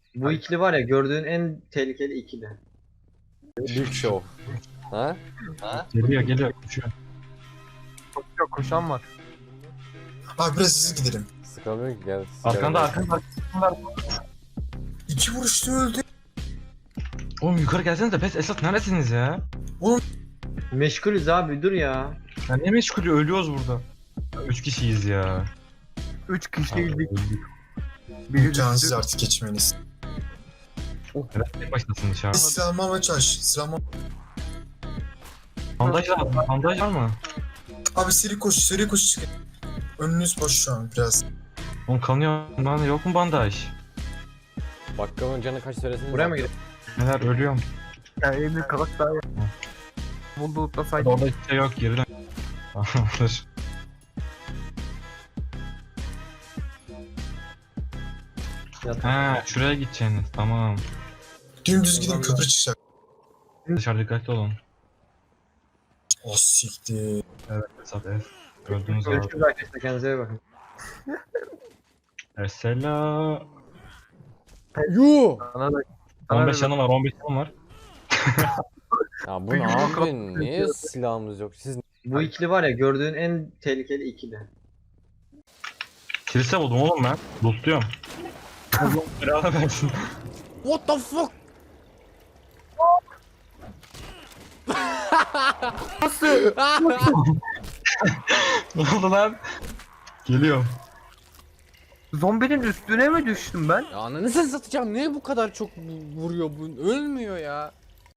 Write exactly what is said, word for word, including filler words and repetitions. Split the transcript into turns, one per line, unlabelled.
Bu ikili var ya gördüğün en tehlikeli ikili.
Big Show. Ha?
Geliyor geliyor koşuyor.
Koşuyor, koşan var.
Abi biraz hızlı gidelim.
Sıkamıyor ki gel.
Arkanda arkanda.
İki vuruşta öldü.
Oğlum yukarı gelsenize pes Esat neredesiniz ya?
Meşgulüz abi dur ya.
Ya ne meşgulü ölüyoruz burada. Üç kişiyiz ya.
Üç
Abi,
kişiydik.
öldük.
Biri
İmkansız
düştü.
artık geçmeniz.
Evet tek başlasın dışarı.
Biz silahımı almaya çalış. Silahımı...
Bandaj var mı? Bandaj var mı?
Abi seri koş, seri koş çıkın. Önünüz boş şu an biraz.
Oğlum kanıyor. Bana yok mu bandaj?
Bakkalın canı kaç söylesin.
Buraya mı gidelim?
Neler ölüyorum.
Yani elini kalak daha ya. Buldu
Hadi
utlasaydı.
orada hiçbir şey yok geri dön. Tamamdır.
Yat.
Ha şuraya gideceksiniz tamam.
Dümdüz gidin köprü çıkacak.
Dışarı dikkatli olun.
Oh siktir.
Evet Esat evet. Gördüğünüz gibi.
Görüşürüz arkadaşlar, kendinize iyi bakın.
Esela.
Yuh!
Sana da. sana
on beş
da-
canım var on beş canım var.
Ya bu
Bir
ne
yumruk
yapıyorsun?
atıyor.
Niye silahımız yok? Siz
Bu ikili var ya gördüğün en tehlikeli ikili.
Kilise buldum oğlum ben. Lootluyorum. Allah belanı versin.
what the fuck?
Ne oldu lan? Geliyorum.
Zombinin üstüne mi düştüm ben?
Ya ananı satacağım. Niye bu kadar çok vuruyor bu? Ölmüyor ya.